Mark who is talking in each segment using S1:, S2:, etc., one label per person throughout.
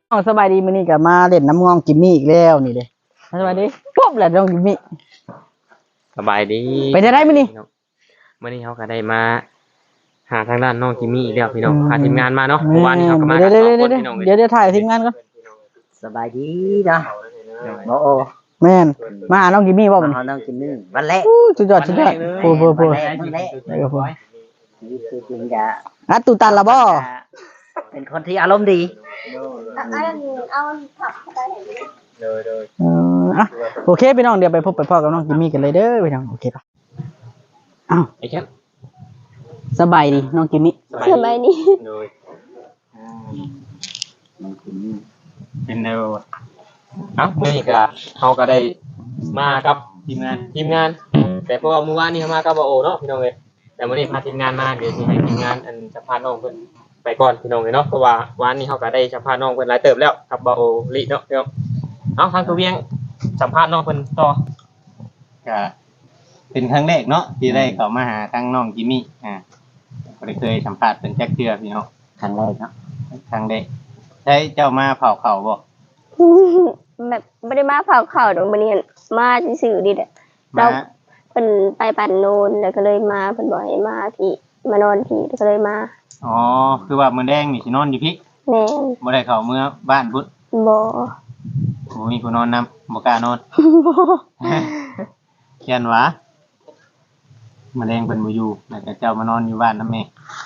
S1: สบายดีมื้อนี้ก็มาเล่นน้ำงองกิมมี่อีกแล้วนี่เด้สบายดีปุ๊บแหละน้องกิมมี่
S2: สบายดี
S1: ไปได้มื้อนี้
S2: มื้อนี้เขาก็ได้มาหาทางด้านน้องจิมมี่อีกแล้วพี่น้องพาทีมงานมาเนาะเมื่อวานนี้เขาก็มากันสองคนพี่น้อง
S1: เดี๋ยวถ่ายทีมงานก่อน
S3: สบายดีนะโอ้โอ
S1: แม่นมาหาน้องกิมมี่บ่มัน
S3: น้องกินนี่วันแรก
S1: สุดยอดโอ้โห
S3: วันแรกนี่คือจริงจะ
S1: ตุตันละบ่
S3: เป็นคนที่อารมณ์ดี
S4: เอาผักไปเห็น
S2: เลย
S1: โอเคพี่น้องเดี๋ยวไปพบไปพ่อกับน้องกิมมี่กันเลยเด้อพี่น้องโอเคป่ะอ้าว
S2: ไอ้แคป
S1: สบายดีน้องกิมมี่
S4: สบายดี
S2: เลย
S3: น้องกินนี่
S2: เป็นแนวมื้อนี้ก็เขาก็ได้มากับทีมงานแต่เพราะว่าเมื่อวานนี้เขามากับบ่โอเนาะพี่น้องเอ้ยแต่มื้อนี้พาทีมงานมาเดี๋ยวสิให้ทีมงานอันจะพาน้องเพิ่นไปก่อนพี่น้องเอ้ยเนาะเพราะว่าวันนี้เขาก็ได้สัมภาษณ์น้องเพิ่นหลายเติบแล้วกับบ่โอลิเนาะพี่น้องเอาทางตัวเวียงสัมภาษณ์น้องเพิ่นต่อ
S5: ก็เป็นครั้งแรกเนาะที่ได้เข้ามาหาทั้งน้องจิมมี่ก็ได้เคยสัมภาษณ์เป็นแจ็คเทือพี่น้อง
S3: ครั้งแรกเนาะ
S5: ครั้งแรกใช้เจ้ามาเผาเขาบ่
S4: แบบไม่ได้มาเผาข่าวดอกมันนี่มาซื่อๆดิแหละเราเป็นไปปั่นโนนแล้วก็เลยมาเป็นบ่อยมาพี่มานอนพี่ก็เลยมา
S5: อ๋อคือว่ามื้อแดงนี่สินอนอยู่พี่
S4: แม่
S5: บ่ได้เข้าเมื่อบ้านพุทธ
S4: บ่
S5: มีผู้นอนนํบ่กล้านอนเขียนว่ามื้อแดงเพิ่นบ่อยู่แล้วก็เจ้ามานอนอยู่บ้านนำแม่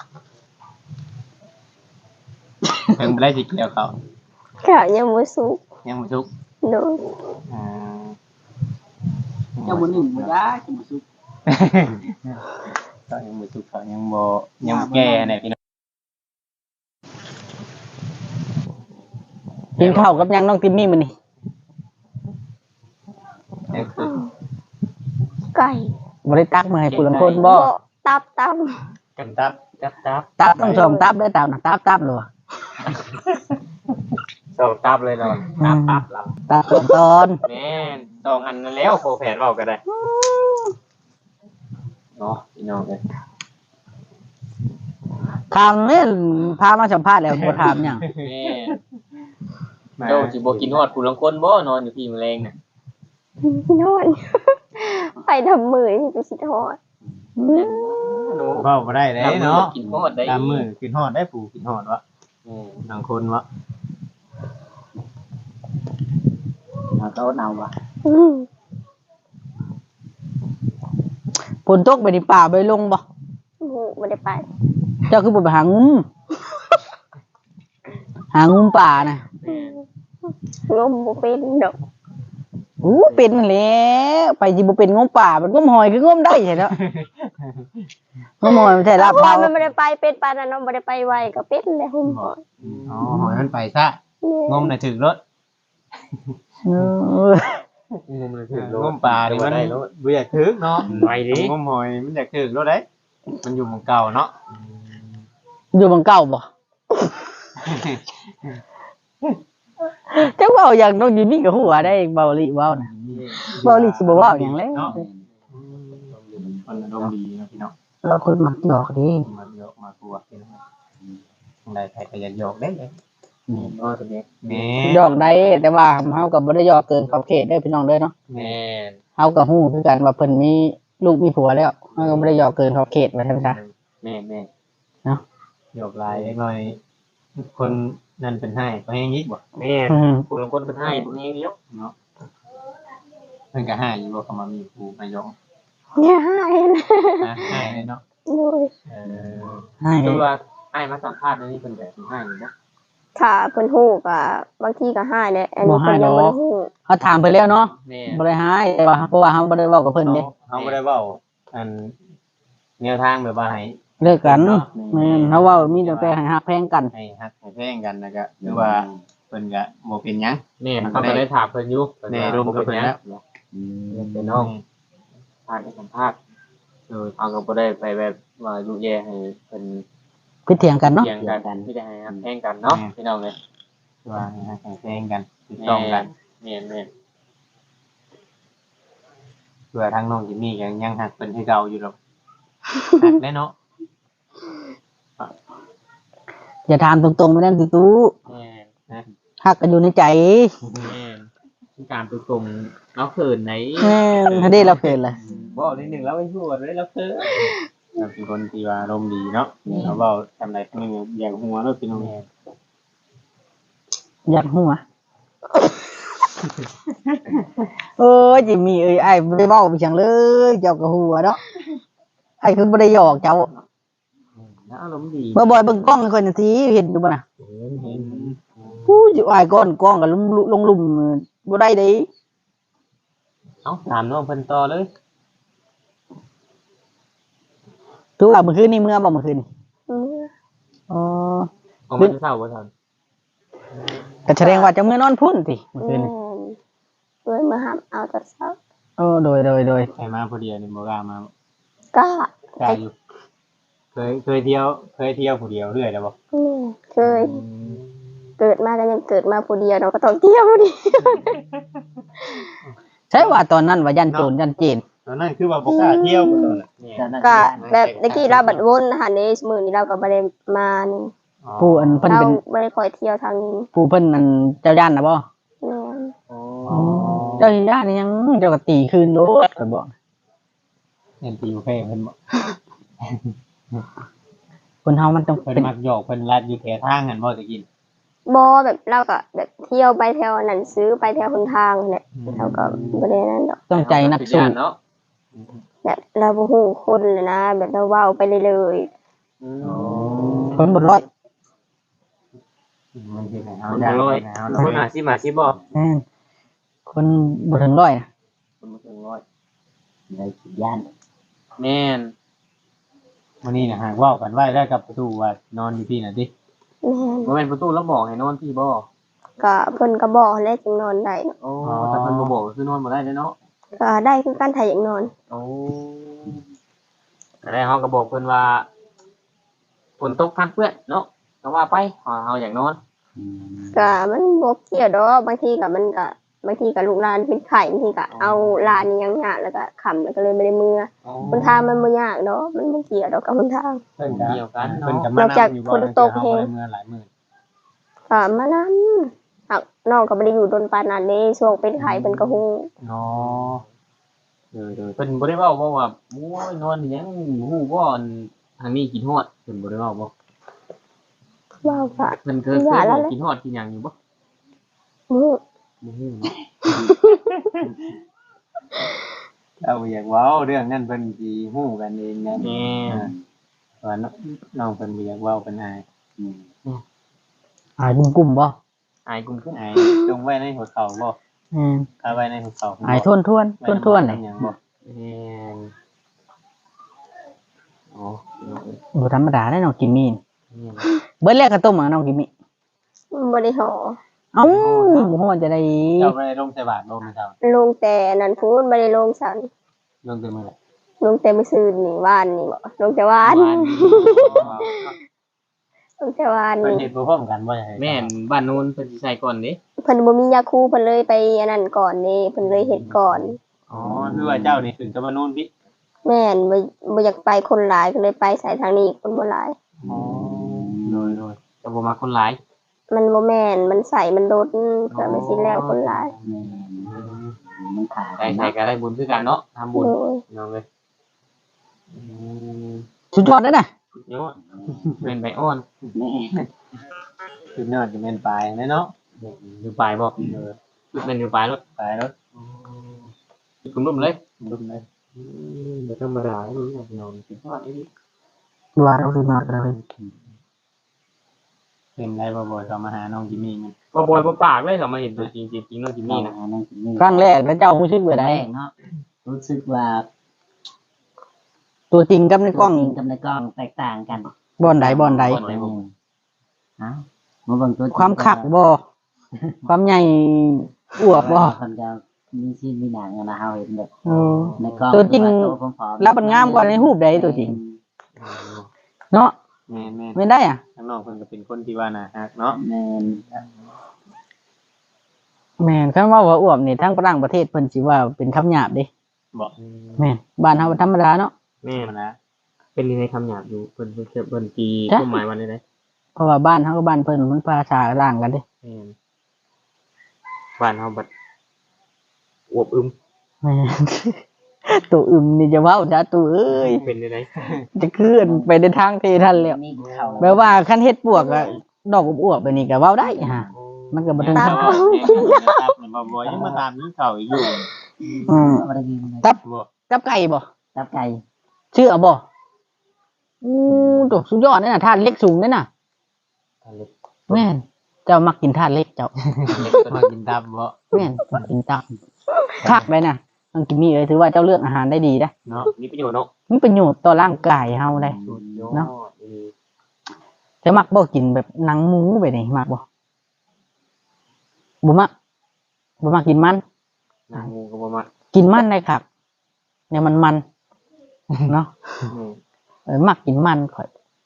S5: เพิ่นบ่ได้สิเกี่ยวเขา
S4: ข่าวยังบ่สุก
S5: ยังบ่สุก
S4: โดน
S1: เจ้าบ่นิ่มบ่ได้กินบ่สุก
S5: ก็ยังบ่สุกเขายังบ่แก่แน่พี่น้อง
S1: กินข้าวกับยังน้องกิมมี่มื้อนี้
S4: ไก่
S1: บ่ได้ตักมาให้ผู้ลางคนบ่
S4: ตับ
S5: กันตับ
S1: ต้องส่งตับได้ตับนะตับเลย
S2: ส่งตับเลยเนาะ
S1: ตับตอน
S2: แม่น2อันนั่นแล้วโคแผนเว้าก็ได้เนาะพี่น้องเอ้ย
S1: ถามเนี่ยพามาสัมภาษณ์แล้วบ่ถามหยัง
S2: แม่เจ้าสิบ่กินฮอดผู้ลางคนบ่นอนอยู่ที่แมลงน่ะ
S4: นอนไปทำมือที่ไปสิทอด
S5: เว้าบ่ได้เด้เนาะ
S2: กินฮอดได้
S5: ตามมือกินฮอดได้ปู่กินฮอดวะบางคนวะ
S3: เอาโต๊ะเอาวะ
S1: ฝนตกไปในป่าไปลงบ่
S4: ไม่ได้ไป
S1: เจ้าคือบ่ไปหางุ้มป่าน่ะ
S4: งมบ่เป็นดอก
S1: เป็นแล้วไปสิบ่เป็นงมป่ามันงมหอยคืองมได้ใช่เนาะงมหอยมันใช่ลาบ
S4: เรามันไม่ได้ไปเป็ดปลาน่ะเนาะบ่ได้ไปไวก็เป็ดแล้วหุ่มหอย
S5: อ๋อหอยมันไปซะงมน่ะถึกรถ
S2: งมเลยถึกรถ
S5: งมป่านี่มันบ่อยากถึกเนาะ
S2: ไวดิ
S5: งมหอยมันอยากถึกรถได้มันอยู่หม้องเก่าเนาะ
S1: อยู่หม้องเก่าบ่เจ้าเว้าอย่างน้องยินนี่ก็หัวได้เบาลิเว้าน่ะเบาลิสิบ่เว้าหยังแล้ว
S5: มันอารมณ์ดีเนาะพี่น้อง
S1: เราคนมักหยอกดิ
S5: มักหยอกมากลัวพี่น้องได้ใครก็อยากหยอกได้เลย
S2: อ๋อตัวนี้
S1: หยอกได้แต่ว่าเฮาก็บ่ได้หยอกเกินขอบเขตเด้อพี่น้องเด้อเนาะ
S2: แม่น
S1: เฮาก็ฮู้คือกันว่าเพิ่นมีลูกมีผัวแล้วเฮาก็บ่ได้หยอกเกินขอบเขตว่าซั่นซะ
S2: แม่
S1: เนาะ
S5: หยอกหลายหน่อยคนนั่นเป็นให้ก็ให้ยิกบ่
S2: แม่ผู้ลางคนเป็นให้ผู้นี้เดียว
S5: เนาะเพิ่นก็ให้อยู่ว่าเขามามีผู้มายก
S4: อย่าให้
S5: ให้เนาะ
S1: ให้
S2: คือว่าให้มาสัมภาษณ์นี่เพิ่นก็สิให้บ่
S4: ค่ะเพิ่นฮู้ก็บางทีก็ให้แหละอันนี้เพิ่นยังบ่ได้ฮู้
S1: เฮาถามเพิ่นแล้วเนาะบ่ได้ให้แต่ว่าเพราะว่าเฮาบ่ได้เว้ากับเพิ่นเด้
S5: เฮาบ่ได้เว้าอันแนวทางแบบว่าให้
S1: เลิกกันแม่นเฮาเว้ามีแต่ให้ฮักแพงกัน
S5: ให้ฮักให้แพงกันแล้วก็คือว่าเพิ่นก็บ่เป็นหยัง
S2: แม่เขาก็ได้ถามเพิ่นอยู่
S5: แน่ร่วมกับเพิ่นแล้ว
S2: เป็นน้องผ่านสัมภาษณ์เอาก็บ่ได้ไปแบบว่ายุแย่ให้เพิ่น
S1: คิดเถียงกันเนาะ
S2: เถียงกันที่ได้ให้แพงกันเนาะพี่น้องเอ้ย
S5: ว่าให้แพงกันถูกต้องกัน
S2: แม่น
S5: เพื่อทางน้องจิมมี่ยังฮักเพิ่นให้เก่าอยู่ดอกฮักแน่เนาะ
S1: อย่าถามตรงๆไม่ได้ตู้ฮักกันอยู่ในใจ
S2: แม่นการไปส่งเราเขินไหน
S1: ถ้าได้เราเกินเลย
S2: บอกนิดนึงแล้วไม่พูดเลยเราเขิน
S5: เราเป็นคนที่ว่าอารมณ์ดีเนาะเราเว้าทำไรทั้งนึงอย่างหัวเนาะพี่น้อง
S1: ยัดหัวโอ้ยจิมีเอ้ยไอ้บ่ได้เว้าไปจังเลยเจ้าก็หัวเนาะไอ้คือบ่ได้หยอกเจ้า
S2: แล้วอารมณ์ดี
S1: บ่บ่อยเบิ่งกล้องให้คนทีเห็นอยู่บ่น่ะ
S2: เห็น
S1: ผู้อยู่อ้ายก้อนกล้องก็ลงลุ่มบ่ได้เด้
S2: เอ้าถามน้องเพิ่นต่อเลย
S1: ถือว่าเมื่อคืนนี้เมื่อบ่เมื่อคืนนี่
S4: มื้อ
S1: อ๋อ
S2: ออกมาจะเศร้าบ่ทัน
S1: ก็แสดงว่าจะเมื่อนอนพุ่นติเมื่อคื
S4: แม่
S1: น
S4: น
S1: นี่
S4: ด้วยมาหับเอาแต่เช้า
S1: โดย
S5: ใครมาพอดีนี่บ่กล้ามา
S4: ก็
S5: กล้าอยู่เคยเที่ยวผู้เดียวเรื่อยแล้วบ่
S4: เคยเกิดมาก็ยังเกิดมาผู้เดียวเนาะก็ต้องเที่ยวผู้เดียว
S1: ใช่ว่าตอนนั้นว่ายันโจรยันเจน
S5: ตอนนั้นคือว่าบ่กล้าเที่ยวตอนนั้น
S4: ก็แบบตะกี้เราบัดวนหันในมื้อนี้เราก็บ่ได้มานี่
S1: ผู้อันเพิ่น
S4: เรา
S1: เป็น
S4: บ่ได้คอยเที่ยวทางนี้
S1: ผู้เพิ่นอันเจ้าย่านน่ะบ่
S4: แม่น
S1: เจ้าย่านนี่ยังเจ้าก็ตีคืนโลดก็บอก
S5: เห็นตีอยู่แค่เพิ่นบ่
S1: คนเฮามันต้อง
S5: เพิ่น
S1: เป็น
S5: มักหยอกเพิ่นลัดอยู่แถวทางกันบ่ตะกิน
S4: บ่แบบเราก็แบบเที่ยวไปแถวนั้นซื้อไปแถวหนทางนั่นแหละเราก็บ่ได้นั่นดอก
S1: ต้องใจนักสู้
S2: เนาะ
S4: แบบเราบ่ฮู้คนเลยนะ แบบเราเว้าไปเรื่อย
S1: คนบ่ร้อย
S5: มันคือให้เฮา
S2: คน
S5: ได้
S2: ร้อย
S5: ให้เฮา
S2: คนอาชีพบ่
S1: คนบ่ถึงร้อยนะ
S2: คนบ่ถึงร้อย
S3: ในสิย่าน
S2: แม่น
S5: มื้อนี้น่ะหากเว้ากันไว้แล้วกับประตูว่านอนอยู่ที่น่ะติ
S4: ๆแม่น
S2: บ่แม่นประตูแล้วบอกให้นอนพี่บ่
S4: ก็เพิ่นก็บอกแล้วจึงนอนได้เนาะ
S2: โอ้แต่เพิ่นบ่บอกก็คือนอนบ่ได้เด้อเนาะ
S4: ก็ได้คือการถ่ายอย่างนอน
S2: โอ้แต่เฮาก็บอกเพิ่นว่าฝนตกพักเพื่อนเนาะก็ว่าไปเฮาอยากนอน
S4: ก็มันบ่เกี่ยวดอกบางทีก็มันก็บางทีก็ลูกหลานเป็นไข้บางทีก็เอาหลานนี่ยังยากแล้วก็ค่ำแล้วก็เลยไม่ได้มือหนทางมันบ่ยากดอกมันบ่เกี่ยวดอกกับหนทาง
S5: เพิ่นก็
S2: เกี่ยวกัน
S5: เพิ่น
S2: เนาะ
S5: ก็มานำอยู่บ่
S4: นอกจากฝนตก
S5: เฮา
S4: แฮง
S5: บ่ได้เมื่อหลายมื้อ
S4: ก็มานำหักน้องก็บ่ได้อยู่ดนปานนั้นเด้ช่วงเป็นไข้เพิ่นก็ฮู้
S5: อ๋อ
S2: เพิ่นบ่ได้เว้าบ่ว่าโอ้ยนอนอีหยังฮู้บ่อันทางนี้กินฮอดเพิ่นบ่ได้เว้าบ่
S4: ว้าวค่ะ
S2: เพิ่นเคย
S4: อย่าแล้ว
S2: บอกกินฮอดกินหยังอยู่บ่
S4: มื้อ
S2: บ่ฮู้เนาะ
S5: เราอยากเว้าเรื่องนั้นเพิ่นสิฮู้กันเองนะ
S2: แม่น
S5: ว่าน้องเพิ่นบ่อยากเว้าเพิ่นอาย
S1: กลุ่มบ่
S2: อายกุมขึ้น
S5: อายจงไว้ในหัวเข่าบ่ เอาไว้ในหัวเข่า
S1: อายทวนเลย
S5: อย่างบ่
S2: แม่นโอ้
S1: บ่ธรรมดาได้น้องกิมมี่
S2: เนี่ย
S1: เบิดแรกก็ต้มน้องกิมมี่
S4: บ่ได้ห่อ
S1: เอ้าบ่ฮู้ว่าจะได้
S5: เจ้าไปลงใส่บาตรบ่มื้อเช้า
S4: ลงแต่นั่นพูนบ่ได้ลงสัน
S5: ลงแต่มื้อละ
S4: ลงแต่มื้อซื่นนี่วานนี่บ่ลงแต่วาน ลงแต่วาน
S5: เพิ่น
S4: นี่
S5: เฮ็ดบ่พร้อมกันบ่ใช่
S2: แม่นบ้านโน้นเพิ่นสิใส่ก่อนเด้
S4: เพิ่นบ่มียาคูเพิ่นเลยไปอันนั้นก่อนนี่เพิ่นเลยเฮ็ดก่อน
S5: อ๋อคือว่าเจ้านี่ถึงจะมานู่นพี่
S4: แม่นบ่อยากไปคนหลายก็เลยไปสายทางนี้คนบ่หลาย
S5: อ๋อโดย
S2: แต่บ่มักคนหลาย
S4: มันบ่แม่นมันใส่มันโดดก็ไม่สิแล้วคนหลาย
S3: มันขาด
S2: ใส่ก็ได้บุญคือกันเนาะทำบุญ
S4: โอ้ย
S2: น้องเอ้ย
S1: สุดยอดเด้อน่ะ
S2: เนาะเป็นใบอ่อน
S3: แม่
S5: คือยอดจะแม่นปลายแน่เนาะ
S2: อยู่ปลายบ่เป็นอยู่ปลายรถ
S5: ปลายรถ
S2: คุณรุ่มเลย
S5: รุ่นเลย
S2: บ่ธรรมดานี่น้องสิทอดนี่
S1: ว่าเราสุดยอดกันเลย
S5: เป็นไรบ่อยๆเขามาหาน้องจิมมี่มัน
S2: บ่บ่อยบ่ปากเลยเขามาเห็นตัวจริงจริงน้องจิมมี่นะ
S3: นั่นสินี่
S1: ครั้งแรกแล้วเจ้ารู้สึกว่า
S3: แร
S1: ได้
S3: กเนาะรู้สึกว่า
S1: ตัวจริงกับในกล้อง
S3: จริงกับในกล้องแตกต่างกัน
S1: บ่อนใด
S3: เอ้ามาเบิ่งตัวจริง
S1: ความคักบ่ความใหญ่อวบบ่
S3: คนจะมีชีวิตมีหนังอะนะเฮาเห็นแบบ
S1: เออ
S3: ในกล้อง
S1: ตัวจริง
S3: ผอมๆ
S1: แล้วมันงามกว่าในรูปใดตัวจริง เนาะ
S5: แม่น
S1: ไม่ได้อ่ะ
S5: ๆข้างนอกเพิ่นก็เป็นคนที่ว่าน่าฮักเนาะ
S3: แม่น
S1: แม่นคันว่าอวบนี่ทั้งต่างประเทศเพิ่นสิว่าเป็นคำหยาบเด้
S5: บอก
S1: แม่นบ้านเฮาธรรมดาเนาะ
S2: แม่
S5: มันนะ
S2: เป็นในคำหยาบอยู่เพิ่นตี
S1: จ้ะ
S2: ความหมายวันนี้ได้
S1: เพราะว่าบ้านเฮากับบ้านเพิ่นมันภาษาต่างกันเด้
S2: แม่นบ้านเฮาบัดอวบอึม
S1: แม่นตัวอึมนี่จะเว้าจ้าตัวเอ้ย
S2: เป็นได้
S1: จะเคลื่อนไปในทางเททันแล้ว
S3: มีเข้า
S1: แปลว่าคันเฮ็ดปวกอะดอกอวบๆแบบนี้ก็เว้าได้ฮะมันก็บ่ถึง
S5: ตั
S1: ขั้
S5: บ
S1: น
S5: บ่ยังมาตามนี้เขาอยู่
S1: อืม
S3: บ่ได้ยินเลย
S1: ตับ
S5: บ่
S1: กับไก่บ่
S3: ตับไก่
S1: ชื่อเอาบ่ตัวสุดยอดนั่นน่ะธาตุเล็กสูงนั่นน่ะแม่นเจ้ามักกินธาตุเล็กเจ้า
S5: มากินตับบ่
S1: แม่นมักกินตับคักเลยนะน้องกินนี่เลยถือว่าเจ้าเลือกอาหารได้ดีนะ
S5: เนาะ
S2: มีประโยชน์เนาะ
S1: มีประโยชน์ต่อร่างกายเฮาเลย
S2: สุดยอด
S1: เนาะ จะมักบ่กินแบบหนังหมูไปนี่มักบ่บ่มักกินมัน
S2: นางงูก็บ่มา
S1: กินมันได้คักเนี่ยมันเนาะมักกินมันข่อย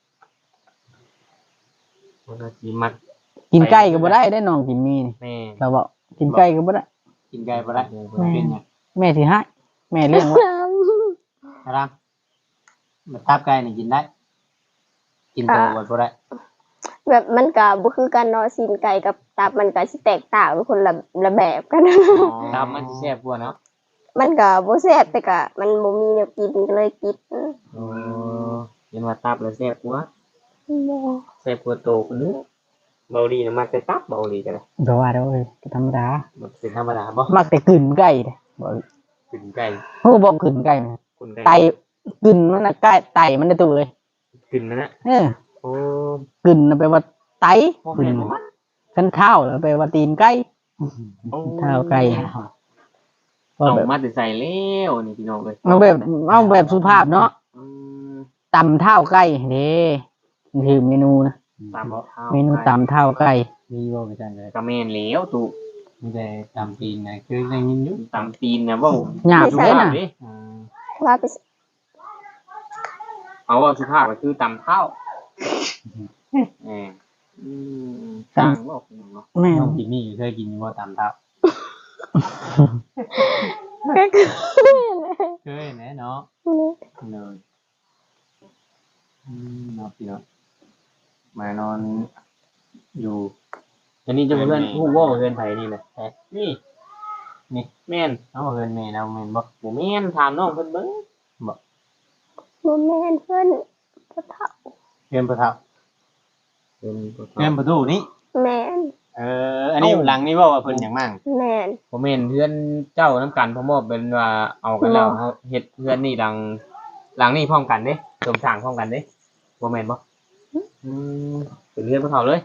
S2: มันก็สิมัก
S1: กินไก่ก็บ่ได้ได้น้องกินมีนี่
S2: แม่
S1: เราบอกกินไก่ก็บ่ได้
S5: กินไก่บ่ได้เป็นหยัง
S1: แม่สิให้แม่เลี้ยงไว้
S5: ครับมาตับไก่นี่กินได้ กินโตบ่ได้
S4: แบบมันก็บ่คือกันเนาะซีนไก่กับตับมันก็สิแตกต่างเป็นคนละแบบกัน
S2: ตามมันสิแซ่บกว่าเนาะ
S4: มันก็บ่แซ่บแต่ก็มันบ่มีแนวกินก็เลยกิน
S2: เห็นว่าตับแล้วแซ่บกว่าแซ่บกว่าโตคนนึงเบาดีนะมักแต่ตับเบาดีกันเลย
S1: ก็ว่าเด้อเอ้ยก็ธรรมดา
S2: มันเป็นธรรมดาบ่
S1: มักแต่กลืนไก่เด้บ่
S2: กินไก่
S1: โอ้บ่กลืนไก่นะ
S2: คนไก่
S1: ไตกลืนมันน่ะไก่ไตมันได้ตัวเอ้ย
S2: กินนั่นน่ะ
S1: เออ
S2: โอ้
S1: กลืนน่ะแปลว่าไตกลืนคันเท้าแล้วแปลว่าตีนไก่เท้าไก่ก็
S2: เอา
S1: แบบ
S2: มาแต่ใส่แล้วนี่พี่น้องเลย
S1: เอาแบบสุภาพเนาะ
S2: อืม
S1: ตำเท้าไก่เด้นี่คือเมนูนะ
S2: ตามข้าว
S1: เมนูตำเท้าไก่
S5: มีบ่ไปจังเลย
S2: กระเมนแล้วตู
S5: มีแต่ตามตีนนะคือได้ยินอยู่
S2: ตามตีนนะเว่า
S1: หยาบอยู่เด้น่ะ
S2: ดิ
S4: ว่าไป
S2: เอาว่าสุภาพก็คือตำเท้าเออสร้างบอกเนาะ
S1: แม่
S5: น้องกินนี่เคยกินบ่ตามตับ
S4: ก็คือ
S5: เคยแน่เนาะเลยเนาะพี่เนาะมานอนอยู่
S2: อันนี้จะเพื่อนผู้ว่าเพื่อนไทยนี่นะนี่แม่น
S5: เอาเฮือนแม่เราแม่นบ่
S2: ผมแม่นถามน้องเพิ่นเบิ่ง
S4: บ่แม่นเพิ่นบ่เฒ่า
S5: เฮือนประทับ
S2: เป็น
S5: เฮือนประตูนี่
S4: แม่น
S5: อันนี้หลังนี่บ่ว่าเพิ่นหยังมั่ง
S4: แม่น
S2: ผมเห็นเพื่อนเจ้าน้ำกันพ่อมอบเป็นว่าเอากันแล้วเขาเฮ็ดเพื่อนนี่หลังนี่พร้อมกันเด้เสริมสร้างพร้อมกันเด้บ่แม่นบ่เป็นเพื่อนพวกเขาเลย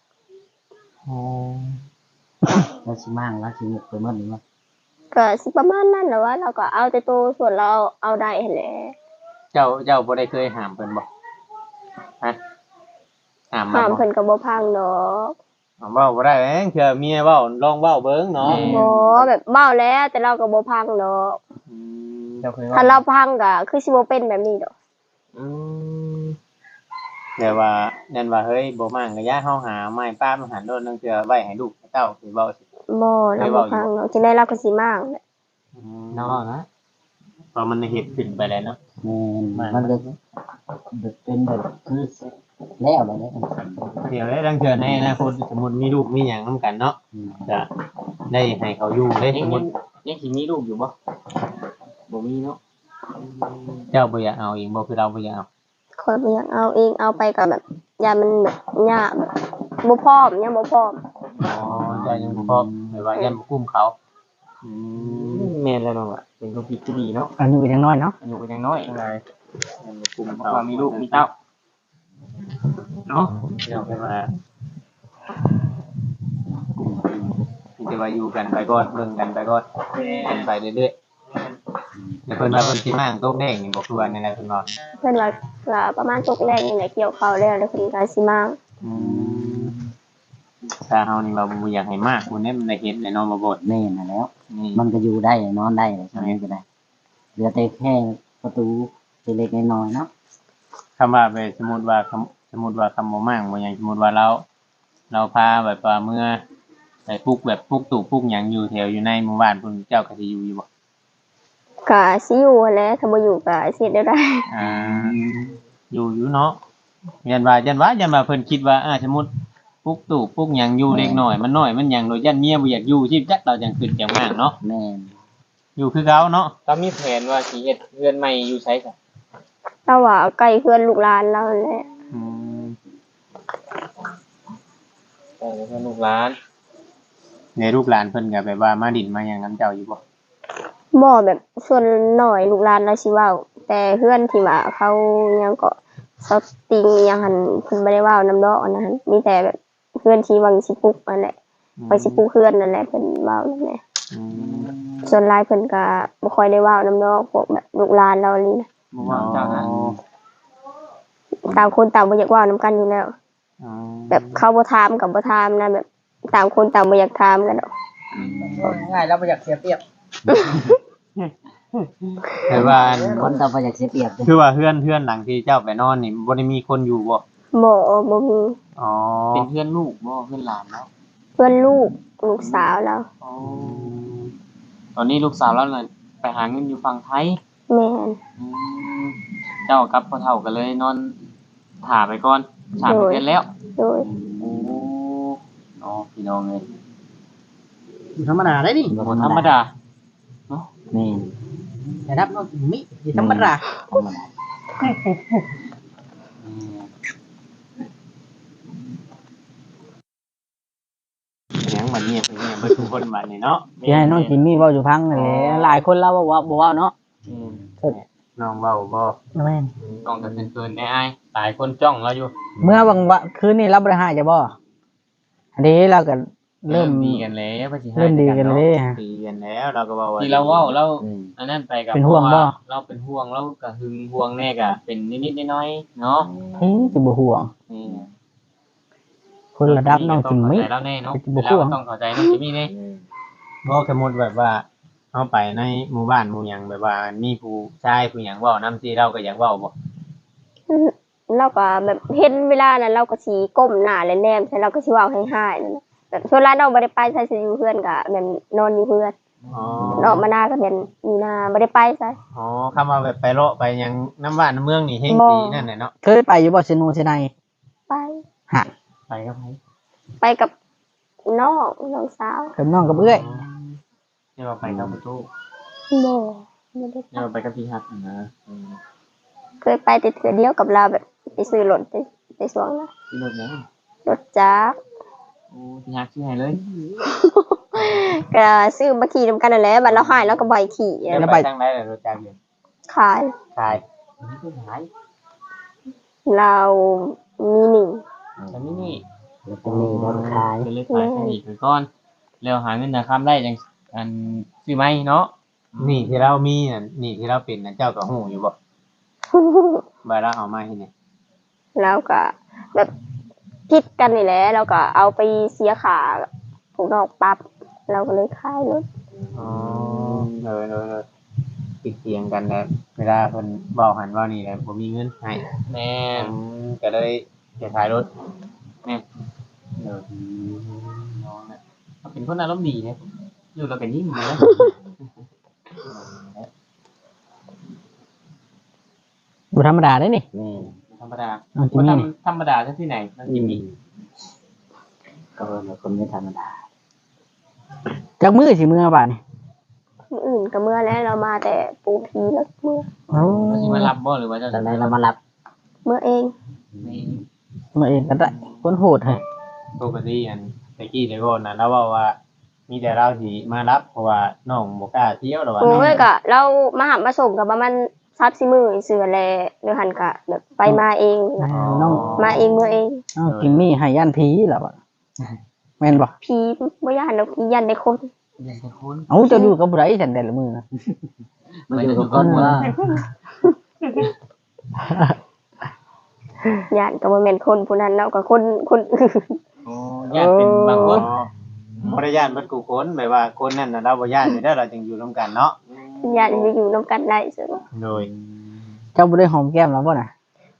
S3: แล้วสิมั่งแล้วสิไปหมดนี่ว่า
S4: ก็สิประมาณนั้นแหละว่าเราก็เอาแต่ตัวส่วนเราเอาได้หั่นแหละ
S5: เจ้าบ่ได้เคยห้ามเพิ่นบ่ฮะห้ามมา
S4: ห้าม
S5: บ่
S4: เพิ่นก็บ่พังดอก
S5: เว้าบ่ได้เองเผื่อเมียเว้าลองเว้าเบิ่งเนาะ
S4: บ่แบบเว้าแล้วแต่เราก็บ่พังดอก
S2: เจ้าเคยว่า
S4: ถ้าเราพังก็คือสิบ่เป็นแบบนี้ดอก
S2: อืม
S5: แต่ว่านั่นว่าเฮ้ยบ่มั่งก็อย่าเฮาหาไม้ป้ามาหันโดนนึงเทื่อไว้ให้ลูกเต้าสิเว้าสิ
S4: บ่เราบ่พังดอกจังได๋เราก็สิมั่งแหละ
S2: น้องนะ
S5: พอมันเฮ็ดขึ้นไปแล้วเนาะ
S3: มันก็เป็นแบบคือแล้วเลย
S5: เดี๋ยวได้ดังเทื่อในอนาคตสมมุติมีลูกมีหยังนํกันเนาะจะได้ให้เขาอยู่เด้
S2: ยั
S5: ส
S2: ง
S5: มมุติ
S2: สิมีลูกอยู่บ่บ่มีเนาะ
S5: เจ้าบ่อยากเอาเองบ่คือเราบ่อยากเอา
S4: คอยบ่อยากเอาเองเอาไปก็แบบยามันแบบยากแบบบ่พร้อมยังบ่พร้อม
S5: อ๋อเจ้ายังบ่พร้อมแบบว่ายังบ่กุ้มเขา
S2: แม่นแล้วน้องอ่ะเป็นคนผิดที่ดีเนาะ
S1: อันนี้ก็ยังน้อยเนาะ
S2: อายุก็ยังน้อย
S5: อะไรยังบ่กุ้ม
S2: เพ
S5: เขา
S2: ราะว่ามีลูกมีเต้าเนาะ
S5: เดี๋ยวไปมาที่จะว่าอยู่กันไปก่อนเบิ่งกันไปก่อนเป็นไปเรื่อยๆแต่เพิ่นว่าเพิ่นสิมาตกแดงนี่บ่คือว่าในนั้นเพิ่นว่า
S4: เพิ่นว่าก็ประมาณตกแรกนี่แหละเกี่ยวข้าวแล้วแล้วเพิ่นก็สิมั่ง
S5: ถ้าเฮานี่ว่าบ่อยากให้มากคนนี้มันได้เห็นแน่นอนบ่บ่
S3: แม่น่ะแล้ว
S5: นี่
S3: มันก็อยู่ได้นอนได้ใช่ไหมก็ได้เหลือแต่แค่ประตูเล็กๆน้อยๆเนาะ
S5: คำว่าไปสมมุติว่าคำบ่มั่งบ่หยังสมมุติว่าเราพาแบบว่าเมื่อไปปลุกแบบปลุกตู่ปลุกหยังอยู่แถวอยู่ในหมู่บ้านเพิ่นเจ้าก็สิอยู่บ่
S4: ก็สิอยู่หั้นแหละถ้าบ่อยู่ก็สิเฮ็ดได้
S5: อยู่เนาะยันว่าเพิ่นคิดว่าสมมุติปุ๊กตู่ปุ๊กหยังอยู่เล็กน้อยมันน้อยมันหยังโดยยันเมียบ่อยากอยู่ชีพจักเราจังขึ้นจังมากเนาะ
S3: แม่น
S5: อยู่คือเก่าเนาะ
S2: ก็มีแผนว่าสิเฮ็ดเรือนใหม่อยู่ไสซะ
S4: เราว่าใกล้เพื่อนลูกหลานเราแหละ
S5: อืม
S2: เออเพื่อนลูกหลาน
S5: ในลูกหลานเพิ่นก็แบบว่ามาดินมาหยังนํเจ้าอยู่บ่
S4: บ่แบบส่วนหน่อยลูกหลานเราสิเว้าแต่เพื่อนที่ว่าเขายังก็สติงยังหันเพิ่นบ่ได้เว้านำดอกอันนั้นมีแต่แบบเพื่อนที่วังสิปลุกนั่นแหละไปสิปลุกเพื่อนนั่นแหละเพิ่นเว้านั่นแหละ
S5: อืม
S4: ส่วนหลายเพิ่นก็บ่ค่อยได้เว้านำดอกพวกแบบลูกหลานเรานี่นะ
S2: บ่ว่าเจ้านะ
S4: ต่างคนต่างบ่อยากเว้านำกันอยู่แล้ว
S5: อ๋อ
S4: แบบเขาบ่ถามกับบ่ถามนะแบบต่างคนต่างบ่อยากถามกันดอก
S1: ง่ายแล้วบ่อยากเสียเปรียบ
S5: แต่ว่า
S3: คนต่อไปอยากเสียเปรียบเด้อ
S5: คือว่าเฮือนหลังที่เจ้าไปนอนนี่บ่ได้มีคนอยู่บ่
S4: บ่มี
S5: อ๋อ
S2: เป็นเพื่อนลูกบ่เพื่อนหลานเนาะ
S4: เพื่อนลูกสาวเรา
S2: อ๋อตอนนี้ลูกสาวเราน่ะไปหาเงินอยู่ฝั่งไทย
S4: แม่น
S2: อืมเจ้ากับพ่อเฒ่าก็เลยนอนถ่าไปก่อนสามเดือนแล้ว
S4: โดย
S2: โอ้เนาะพี่น้องเอ้ย
S1: ธรรมดาได้นี่
S2: บ่ธรรมดา
S3: แม่น
S1: แต่รับน้องมิธรรมดา
S3: ธรรมดา
S2: อืม
S5: หยังบัดนี้เพิ่นเนี่ยบ่ทุกคนบัดนี้เนาะ
S1: สิให้น้องจิมมี่เว้าอยู่พังนั่นแหละหลายคนเราบ่เว้าเนาะ
S2: อืม
S5: น้องเว้าบ่
S1: แม่น
S2: กล้องกันเกินๆแน่อ้ายหลายคนจ้องเราอยู่
S1: เมื่อบางวันคืนนี้เราบ่ได้หาจะบ่อันนี้เราก็เริ่ม
S2: ดีกันแล้วว่าสิให้
S1: เริ่มดีกันเลยฮะ
S5: ตีกันแล้วเราก็เว้าว่า
S2: ที่เราเว้าเรา
S3: อืม
S2: อันนั้นไปกับ
S1: เป็นห่วงบ่
S2: เราเป็นห่วงเราก็หึงห่วงแน่ก็เป็นนิดๆน้อยๆเนาะ
S1: เฮ้ยสิบ่ห่วง
S2: นี่
S1: คนระดับน้องจิมมี่
S2: ต้องเข้าใจเราแน่เนาะ
S1: เป็นบ่ห่วง
S2: เราต้องเข้าใจน้องจิมมี่แน่
S5: บ่สมมุติแบบว่าเฮาไปในหมู่บ้านหมู่หยังแบบว่ามีผู้ชายผู้หยังเว้านำสิเราก็อยากเว้าบ่
S4: เราก็แบบเห็นเวลานั้นเราก็สิก้มหน้าและแนมใส่เราก็สิเว้าให้ๆนั่นน่ะแบบส่วนหลายเราบ่ได้ไปใส่สิอยู่เพื่อนก็แบบนอนอยู่เพื่อน
S5: อ๋อ
S4: ออกมาหน้าก็เป็นอยู่หน้าบ่ได้ไปใส่
S5: อ๋อคำว่าแบบไปเลาะไปหยังน้ำบ้านน้ำเมืองนี่เฮง
S4: บ่
S5: ตีนั่นแหละเนาะ
S1: เคยไปอยู่บ่เซโนเซไน
S4: ไป
S1: ฮะ
S2: ไปกับไผ
S4: ไปกับน้องสาว
S1: กับน้องกับเอื้อย
S2: เดี๋ยวไปกับประตู
S4: บ่บ่ได้
S2: เดี๋ยวไปกับพี่ฮักนะ
S4: เคยไปแต่เทื่อเดียวกับเราแบบไปซื้อรถไปสวงนะ
S2: พี่รถนะ
S4: รถจักร
S2: โอ้พี่ฮักชื่อไงเลย
S4: ก็ซื้อมาขี่นำกันนั่นแหละบัดเราหายแล้วก็บ่อยขี่
S5: แล้วไปทางไหนล่ะรถจักรอยู่
S4: ขาย
S5: ขาย
S2: นี่คือหาย
S4: เรามีหนึ่ง
S2: แต่นี่นี่
S3: แล้วก็มีรถขาย
S2: เป็นเลยขายแค่อีกไปก่อนแล้วหาเงินนะคำได้จังอันซื้อไหมเนาะ
S5: นี่ที่เรามีน่ะนี่ที่เราเป็นน่ะเจ้าก็ฮู้อยู่บ่บ่เราเอามาให้นี่
S4: แล้วก็แบบพิดกันนี่แหละเราก็เอาไปเสียขาผูกนอกปั๊บเราก็เลยขายรถ
S5: อ๋อเลยติดเตียงกันแล้วเวลาเพิ่นเว้าหันเว้านี่แหละบ่มีเงินให้
S2: แม่น
S5: ก็เลยจะขายรถ
S2: แม่น
S5: เออ
S2: น้องเนี่ยเขาเป็นคนอารมณ์ดีเนี่ยอยู่เราเป็นยิ่งเลยนะ
S1: บ่ธรรมดาได้นี่
S3: แม่น
S2: ธรรมดา
S1: น้องจิม
S2: คน
S1: มี่นี่
S2: ธรรมดาที่ไหนน้องจิมมี่
S3: ก็เป็นคนไม่ธรรมดา
S1: จักมื้อสิมื้อบาดนี่
S4: มื้ออื่นก็เมื่อแล้วเรามาแต่ปูพีแล้วเมื่อ
S1: โอ้
S2: เขาจะมารับบ่หรือว่าจะ
S3: ตอนนั้นเรามารับ
S4: เมื่อเอง
S2: นี่
S1: มาเองก็ได้คนโหดให้
S5: ปกติอันตะกี้ได้บ่น่ะแล้วเว้าว่า มีแต่เราสิมารับเพราะว่าน้องบ่กล้าเที่ยวหรอกว่า
S4: โอ้ยก็เรามาหามาส่งกับประมาณ3-4มื้อเสือแลเดี๋ยวหันก็แบบไปมาเองนะ
S1: น้อง
S4: มาเองเมื่อเอง
S1: น้องจิมมี่ให้ย่านผีแล้วบ่แม่นบ่
S4: ผีบ่ย่านดอกผีย่านได้คน
S2: เรียนแต่คน
S1: เอ้าเจะอยู่กับผู้ใดซั่นแต่ละมื้อนะ
S3: มาอยู่กับคนว่า
S4: ย่านก็บ่แม่นคนผู้นั้นเนาะก็คนอื่น
S2: โอ้ญาติเป็นบางคน
S5: บ่ได้ย่านเบิดกูคนแบบว่าคนนั้นน่ะเราบ่ย่านอยู่แล้วเราจึงอยู่ร่วมกันเนาะ
S4: ย่านจะอยู่นํกันได้ซื่อ
S5: โดย
S1: เจ้าบ่ได้หอมแก้มแล้วบ่น่ะ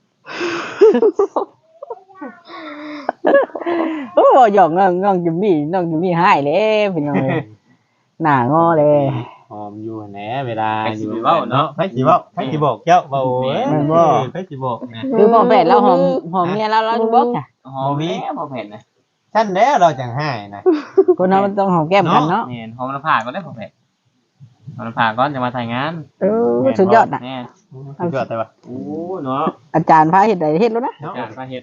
S1: โอ้หยอกน้องจิมมี่หายเลยพี่น้องเอ้ยหน้างอเลย
S5: หอมอยู่แหน่เวลาอยู่เว้าเนาะไผสิเว้าไผสิบอกเจ้าเว้าเอ้ยไผสิบอกนะ
S1: คือพ่อแฟนเราหอมเมียเราอยู่บ่จ้ะ
S2: หอมแม่พอเห็นนะ
S5: ฉันแล้วเราจังให้นะ
S1: คนเรามันต้องหอมแก้มกันเนาะ
S2: แม่นหอมน้ำผ้าก็ได้พ่อแพทย์หอมน้ำผ้าก่อนจะมาถ่ายงาน
S1: สุดยอดน่ะ
S2: แม่น
S5: สุดยอดเลยว่ะ
S2: โอ้เนาะ
S1: อาจารย์พาเฮ็ดได้เฮ็ดแล้วนะ
S5: เนาะ
S2: การพาเฮ็ด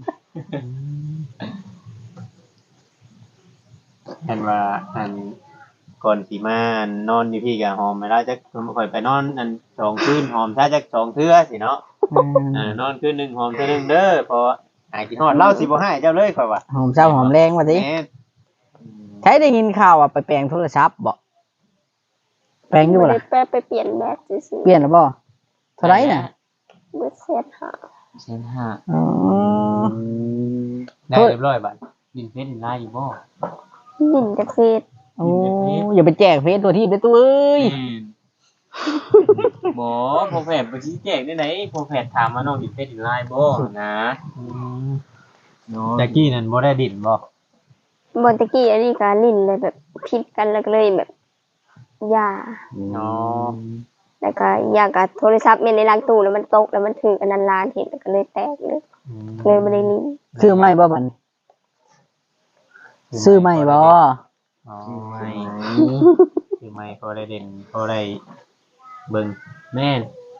S5: เห็นว่าอันก่อนสิมานอนอยู่พี่กับหอมเวลาจะค่อยไปนอนอัน2 คืนหอมถ้าจะ2 เทื่อสิเนาะนอนคืนหนึงหอมเทื่อหนึงเด้อพอหายกินฮอดเล่าสิบ่ให้เจ้าเลยค่อยว่า
S1: หอมเช้าหอมแรงว่าสิ
S5: แม่น
S1: ใช้ได้ยินข่าวว่าไปแปลงโทรศัพท์บ่แปลงอยู่
S4: บ่
S1: บ่
S4: ได้
S1: ล่ะ
S4: แปไปเปลี่ยนแบตซื่อ
S1: เปลี่ยนแล้วบ่เท่าไหร่น่ะ
S4: ๆเบิดเศษหา
S2: เส้นห้า
S1: อ๋อ
S5: ได้เรียบร้อยบัด
S2: ดินเพชรดินลายอยู่บ่
S4: ดินจากเฟซ
S1: โอ้อย่าไปแจกเฟซตัวที่เด้อตัวเอ้ย
S2: บ่พ่อแพทย์ไปชี้แจงได้ไหนพ่อแพทย์ถามว่าน้องดินเพชรดินลายบ่นะเนาะ
S5: แจ็กกี้นั่นบ่ได้ดินบ่
S4: บอนตะกี้อันนี้ก็ลิ้นเลยแบบผิดกันแล้วก็เลยแบบยา
S5: อ๋อ
S4: แล้วก็อยากกับโทรศัพท์แม่นในล้างตู้แล้วมันตกแล้วมันถืออันนั้นลานเห็นแล้วก็เลยแตกเลยเลยบ่ได้ลิ้น
S1: ซื้อใหม่บ่บัดนี้ซื้อใหม่บ่
S5: อ๋อ
S2: ไม่
S5: คือไม่พอได้เด่นพอได้เบิ่ง
S2: แม่น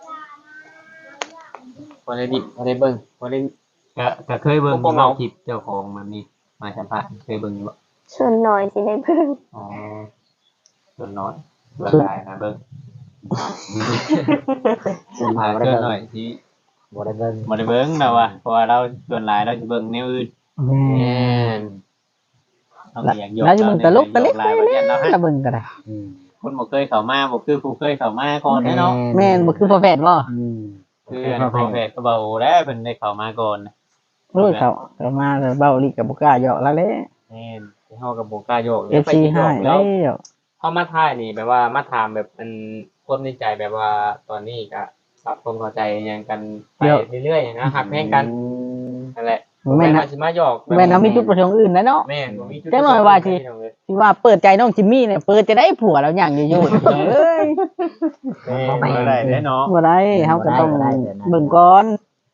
S2: พอได้ดิพอได้เบิ่งพอได้
S5: ก็เคยเบิ่ง
S2: พวกเรา
S5: คลิปเจ้าของมันนี่มาสัมภาษณ์เคยเบิ่งอยู่บ่
S4: ส่วนหน่อยสิได้เพิ่ง
S5: อ๋อส่วนน้อยเบิ่งได้นะเบิ่ง
S3: ส่วนมาบ่
S5: เกิ
S3: ได้
S5: นห
S3: เบิ่
S5: น่อย
S3: ง
S5: ที่
S3: บ่ได้เบิ่ง
S5: บ่ได้เบิ่งเราอะเพราะว่าเราส่วนหลายเราสิเบิ่งแนวอื่น
S1: แม่
S2: แม่น
S5: เราก็อยากยก
S1: แล้วจะมึงตลกตะเล็ก
S5: หลายประเด็นเราให้
S1: ตะเบิ่งก็ได้
S3: อืม
S5: คนบ่เคยเข้ามาบ่คือผู้เคยเข้ามาก่อนแน่เนาะ
S1: แม่นบ่คือพ่อแพทย์บ่
S3: อืม
S5: คืออันพอแพทย์ก็เบาแล้วเพิ่นได้เข้ามาก่อนนะ
S1: โอ้ยเขามาแล้วเบ้าลิกับบ่กล้าหยอกแล้วแหละ
S2: แม่นที่เฮากับบ่กล้าโยก
S1: FC ให้แล้
S2: แล้ว
S1: ว
S2: เฮามาถ่ายนี่แบบว่ามาถามแบบเป็นคนในใจแบบว่าตอนนี้ก็ปรับความเข้าใจหยังกันไปเรื่อยๆนะฮักแพงกันนั่นแหละ
S1: แม่น
S2: ว่า
S1: นะ
S2: สิมาหยอก
S1: แม่นเฮามีจุดประสงค์อื่นนะเนาะ
S2: แม่นบ่มีจุด
S1: จังหน่อยว่าสิ ที่ว่าเปิดใจน้องจิมมี่เนี่ยเปิดจะได้ผัวแล้วอย่างอยู่ๆเอ้ย
S5: บ่ได้แน่เนาะ
S1: บ่ได้เฮาก็ต้อง
S3: บ่ได้เดี๋ยวนะ
S1: เบิ่งก่อน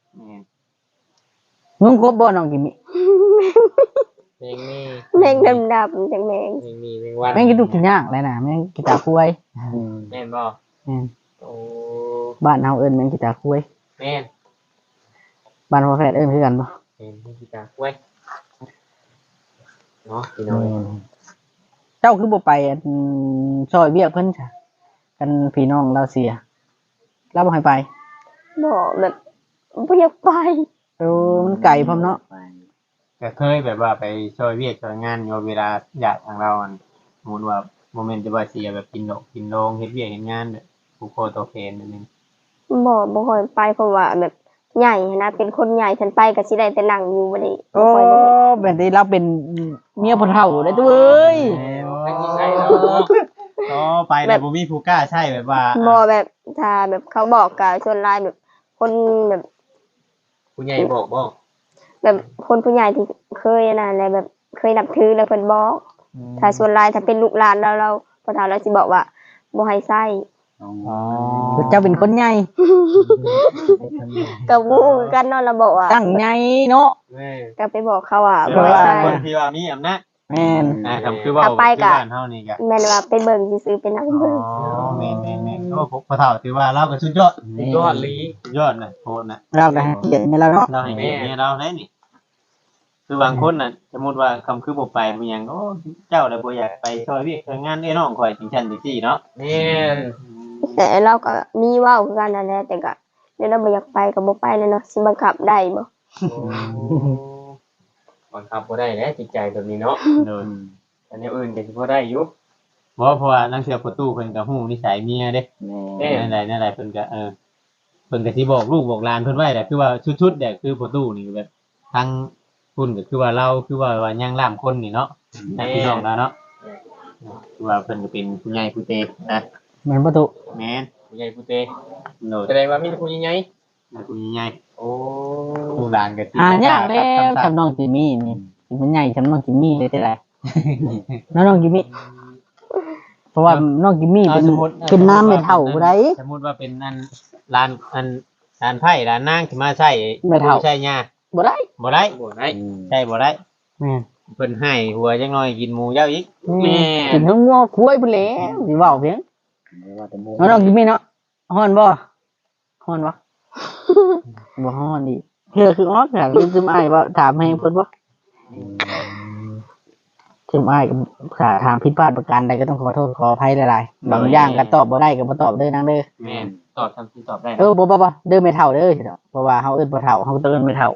S1: นุ่งครบบ่น้องจิมมี่
S2: เพลงนี้
S4: แมงดำๆจังแมง
S2: เพลงนี้เพลงวัน
S1: แม่งกินทุกกินยากเลยนะแม่งกีตาร์คุย
S3: อืม
S2: แม่นบ่
S1: แม่น
S2: โอ้
S1: บ้านเฮาเอิ้นแม่งกีตาร์คุย
S2: แม่น
S1: บ้านพ่อแพทย์เอิ้นคือกันบ่
S2: เพลงที่กีตาร์กล้วยเนาะพี่น้อง
S1: เจ้าคือบ่ไปซอยเวียกเพิ่นจ้ะกันพี่น้องเราเสียเราบ่ให้ไป
S4: บอกแบบบ่อยากไป
S1: เออมันไกลพร้อมเนาะ
S3: ไป
S5: ก็เคยแบบว่าไปช่วยเวียกช่วยงานอยู่เวลาอยากทางเราอันสมมุติว่าโมเมนต์จะว่าเสียแบบกินดอกกินโรงเฮ็ดเวียกเฮ็ดงานแบบผู้โคโตเคนนั่นนึง
S4: บ่ค่อยไปเพราะว่าแบบใหญ่นะเป็นคนใหญ่ฉันไปก็สิได้แต่นั่งอยู่บ่ได้
S1: โอ้
S4: บ่ค่อยได้
S1: แบบนี้เราเป็นเมียพ่อเฒ่าได้ตัวเอ้ย
S2: ไม่ใช่แล้ว
S5: อ๋อไปแต่บ่มีผู้กล้าใช่แบบว่า
S4: บ่แบบถ้าแบบเขาบอกกับชวนไลน์แบบ คนแบบ
S2: ผู้ใหญ่บอกบ่
S4: แบบคนผู้ใหญ่ที่เคยนะอะไรแบบเคยนับถือแล้วเพิ่นบอกถ้าชวนไลน์ถ้าเป็นลูกหลานเราพอถามเราสิบอกว่าบ่ให้ใช้
S3: อ๋อ
S5: อ๋อ
S1: เจ้าเป็นคนใหญ่
S4: ก็บ่ฮู้กันเนาะเราบอกว่า
S1: ตั้งใหญ่เนาะ
S2: แม่
S4: ก็ไปบอกเขาว่า
S5: แปล
S4: บ่ให้
S5: ว่า
S4: ใช้
S5: คนที่ว่ามีอำนาจ
S1: แม่น
S5: นะครับคือว่า
S4: ถ้าไป
S5: ที่
S4: กะ
S5: บ้านเฮานี่ก็
S4: แม่นว่าไปเบิ่งซื่อๆไปนั่ง
S5: อ๋
S4: เบิ่ง
S5: อแม่นๆๆโอ้พอเฒ่าถือว่าเราก็สุดยอด
S2: ยอดลี
S5: สุดยอดนะโหดนะ
S1: เราก็ให้เกียรติแม่เราเนาะ
S5: เราให้เกียรติเมียเราได้นี่ คือบางคนน่ะสมมุติว่าคำคือบ่ไปเป็นหยังโอ้เจ้าน่ะบ่อยากไปช่วยเวียกช่วยงานไอ้น้องข่อยจังซั่นจังซี่เนาะ
S2: แม่น
S4: แต่เราก็มีเว้าคือกันนั่นแหละแต่ก็เดี๋ยวเราบ่อยากไปก็บ่ไปเลยเนาะสิบังคับได้บ่
S2: บังคับบ่ได้แหละจิตใจแบบนี้เนาะ
S5: โดย
S2: อันนี้อื่นก็สิบ่ได้อยู่
S5: บ่เพราะว่านักเสียประตูเพิ่นก็ฮู้นิสัยเมียเด้
S3: แม่
S5: นั่นแหละเพิ่นก็เพิ่นก็สิบอกลูกบอกหลานเพิ่นไว้แหละคือว่าชุดๆเนี่ยคือประตูนี่แบบทั้งคุณก็คือว่าเราคือว่าย่างล่ามคนนี่เนาะญาติพี่น้องเราเนาะคือว่าเพิ่นก็เป็นผู้ใหญ่ผู้เตนะ
S1: เหมือนประตู
S5: แม่น
S2: ผู้ใหญ่ผู้เต
S5: โดย
S2: แสดงว่ามีแต่ผู้ใหญ่
S5: ผู้ใหญ่
S2: โอ้
S5: ผู้หลานก็สิ
S1: ยากแล้วทำน้องจิมมี่นี่มันใหญ่ทำน้องจิมมี่เลยได้ไรน้องจิมมี่เพราะว่าน้องจิมมี่เป็นน้ำไม่เท่าไร
S5: สมมุติว่าเป็นอันร้านไผ่ร้านนางที่มาใช้
S1: ไม่เท่า
S5: ใช้ยา
S1: บ่ได้
S5: บ่ได้
S2: บ่ได้
S5: ใช่บ่ได้
S1: แม่น
S5: เพิ่นให้หัวจังน้อยกินหมูเจ้าอีก
S2: แม่
S1: กินทั้งงัวคุ้ยไปแล้วสิเว้าเพียง
S3: ว่าแต่หมู
S1: น้องกินมีเนาะฮ้อนบ่ฮ้อนบ่ บ่ฮ้อนดิเพื่อคือออกจากลืมซึมอ้ายว่าถามให้เพิ่นบ่ซึมอ้ายก็ถ้าถามผิดพลาดประการใดก็ต้องขอโทษขออภัยหลายๆบางอย่างก็ตอบบ่ได้ก็บ่ตอบเด้อนางเด้อ
S2: แม่ตอบทำที่ตอบได้
S1: บ่เด้อไม่เท่าเด้อสิเนาะเพราะว่าเฮาเอิ้นบ่เท่าเฮาต้องเอิ้นไม่เท่า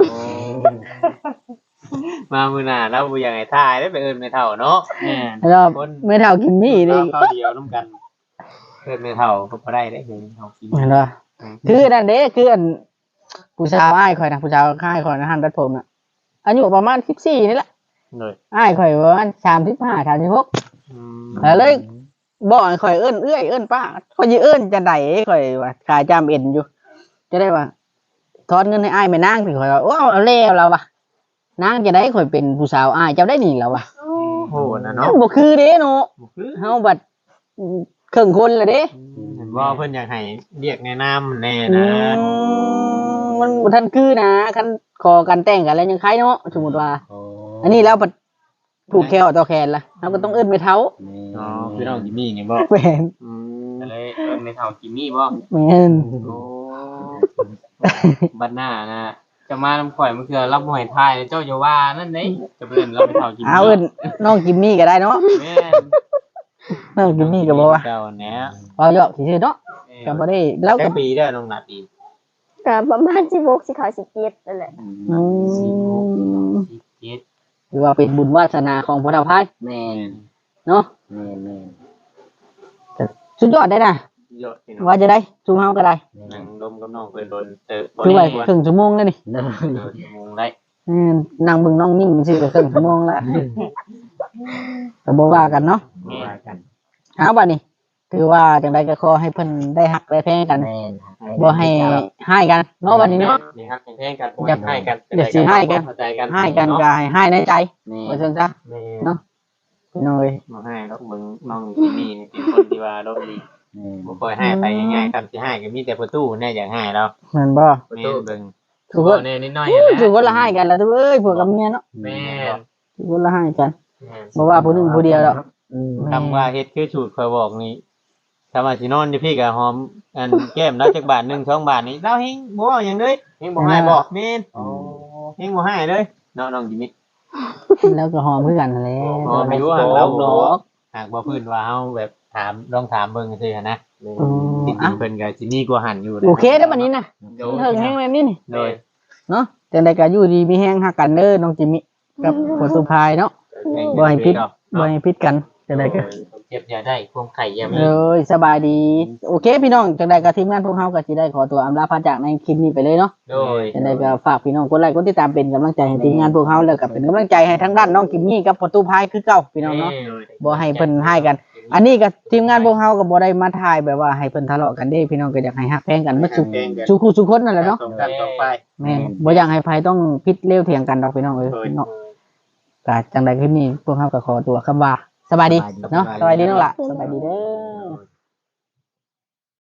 S5: มามื้อหน้าเราบ่อยากให้ทายได้ไปเอิ้นไม่เท่าเนาะ
S2: แม่
S1: แล้วไม่เท่ากินมีดิ
S5: เราเดียวนํกันเอิ้นไม่เท่าก็บ่ได้เด้เดี๋ยวนี้เฮากิน
S1: เห็นบ่คือนั่นเด้คืออันผู้ชายอ้ายข่อยนะผู้ชายค่ายข่อยนะหันตัดผมน่ะอายุประมาณ14นี่แหละ
S5: เลย
S1: อ้ายข่อยประมาณ35 36
S5: อืม
S1: แล้วเลยบอกให้ข่อยเอิ้นเอื้อยเอิ้นป้าข่อยสิเอิ้นจะได้ข่อยว่าขาจำเอ็นอยู่ จะได้ว่าทอนเงินให้อ้ายแม่นางสิข่อยว่าโอ้เอาแล้วเราว่ะนางจะได้ข่อยเป็นผู้สาวอ้ายเจ้าได้นี่แล้วว่ะ
S5: โอ้โหนะ
S1: มั
S5: เนาะ
S1: นบ่คือเด้เนาะ
S5: บ่คือ
S1: เฮาบัดครึ่งคนละเด้
S5: เห็นว่าเพิ่นอยากให้เรียกแนะนำแน่
S1: อื
S5: นะ
S1: มมันบ่ทันคือนะคันขอกันแต่งกันแล้วยังใครเนาะสมมุติว่า
S3: โอ้
S1: อันนี้แล้วบัดผูกแขวต่อแขนล่ะเฮาก็ต้องเอิ้นไปเท้า
S5: อ๋อพี่น้องจิมมี่นี่บ่
S1: แม่น
S5: อืม
S2: ก็เลยเอิ้นไม่เท่ากิมมี่บ่
S1: แม่น
S2: โอ้บัดหน้านะจะมาน้ำข่อยมันคือรับบ่ให้ทายเจ้าอย่าว่านั่นเด้จะเพิ่นเราไม่เท่ากิมมี่
S1: เอาเอิ้นน้องจิมมี่ก็ได้เนาะ
S2: แม่
S1: น้องจิมมี่ก็บ่ว่า
S5: เจ้าแหน่
S1: เว้าเยอะซื่อๆเนาะก็บ่ได้แล้ว
S5: แค่
S1: ก็
S5: ปีได้อน้องนาตี
S4: ก็ประมาณ16สิเขา17นั่นแหละ
S1: อืม
S2: เจ็ด
S1: ถือว่าเป็นบุญวาสนาของพระเจ้าพาย
S3: แม่น
S1: เนาะ
S3: แม่นแม่น
S1: สุดยอดได้นะ
S5: เยอะพี่น้อง
S1: ว่าจะได้ซูมเฮาก็ได้
S5: นั่งดมกับน้องเพิ่นโดน
S1: คือไว้
S5: ควร
S1: ครึ่งชั่วโมงแล้วนี่
S3: เด้อ
S5: ชั่วโมงได้
S1: นั่งเบิ่งน้องนิ่มซื่อก็ครึ่งชั่วโมงแล้วก็บ่ว่ากันเนาะ
S3: ว่ากัน
S1: เอาบัดนี้ถือว่าจังไดก็ขอให้เพิ่นได้ฮักได้แพงกัน
S3: แม่น
S1: บ่ให้ให้กันเนาะบัดนี้เนาะ
S2: นี่ครับแข่งกันบ่ให้กัน
S1: อย่าสิให้กัน
S2: เข้าใจกัน
S1: ให้กันก็ให้ในใจ
S3: แม่
S1: ว่าน ซั่นซะ
S2: แม่
S1: เนาะพี่น้อย
S5: บ่ให้แล้วเบิ่งน้องจิมมี่นี่เป็นคนที่ว่าโดนดี
S3: แม่น
S5: บ่ค่อยให้ไปง่ายๆครับสิให้ก็มีแต่ประตูแน่อยากให้แล้ว
S1: แม่นบ่
S5: แม่นเบิ่ง
S1: ทุกคน
S2: แน่นิดหน่อย
S1: ทุกคนละให้กันแล้วทุกเอ้ยพวกกับเมียเนาะ
S2: แม่
S1: ทุกคนละให้กันบ่ว่าผู้หนึงผู้เดียวดอก
S5: คำว่าเฮ็ดคือสูตรข่อยบอกนี่ถ้าว่าสินอนอยู่พี่ก็หอมอันแก้มแล้วจักบาท1 2บาทนี่เราเฮงบ่เอาหยังเลยเฮงบ่ให้บ่แม่นเฮงบ่ให้เลยเนาะน้องจิมมี่
S1: แล้วก็หอมคือกันนั่นแหละ
S5: หอมอยู่ห่างเราเนาะ หากบ่พื้นว่าเฮาแบบถามลองถามเบิ่งซื่อๆนะ
S1: อื
S5: จ
S1: ม
S5: ริ
S1: อ่ะ
S5: งๆเพิ่นก็สิมีกว่าหันอยู่นะ
S1: โอเคแล้วบัดนี้นะ
S2: โด
S1: เถิงแห้งแบบนี้นี่
S5: โดย
S1: เนาะจังได๋ก็อยู่ดีมีแห้งฮักกันเด้อน้องจิมมี่กับพ่อสุภายเนาะบ่ให้ผิดกันจังได๋ก็
S2: เจ็บอย่าได้ความไข่อย่ามี
S1: เอ้ยสบายดี โอเคพี่น้องจังได๋ก็ทีมงานพวกเฮาก็สิได้ขอตัวอำลาพระจากในคลิปนี้ไปเลยเนาะ
S2: โดย
S1: จังได๋ก็ฝากพี่น้องกดไลค์กดติดตามเป็นกำลังใจให้ทีมงานพวกเฮาแล้วก็เป็นกำลังใจให้ทั้งด้านน้องจิมมี่กับพ่อสุภายคือเก่าพี่น้องเนาะบ่ให้เพิ่นให้กัน อันนี้ก็ทีมงานพวกเฮาก็บ่ได้มาถ่ายแบบว่าให้เพิ่นทะเลาะกันเด้พี่น้องก็อยากให้ฮักแพงกันมาสู่คู่สู่คนนั่นแหละเนาะ
S5: ต้องกันต้องไป
S1: แม่นบ่อยากให้ไผต้องพิษเร็วเถียงกันดอกพี่น้องเอ้ยเนาะก็จังใดคลิปนี้พวกเฮาก็ขอตัวคำว่าสบายดีเนาะสบายดีน้องล่ะสบายดีเด้อ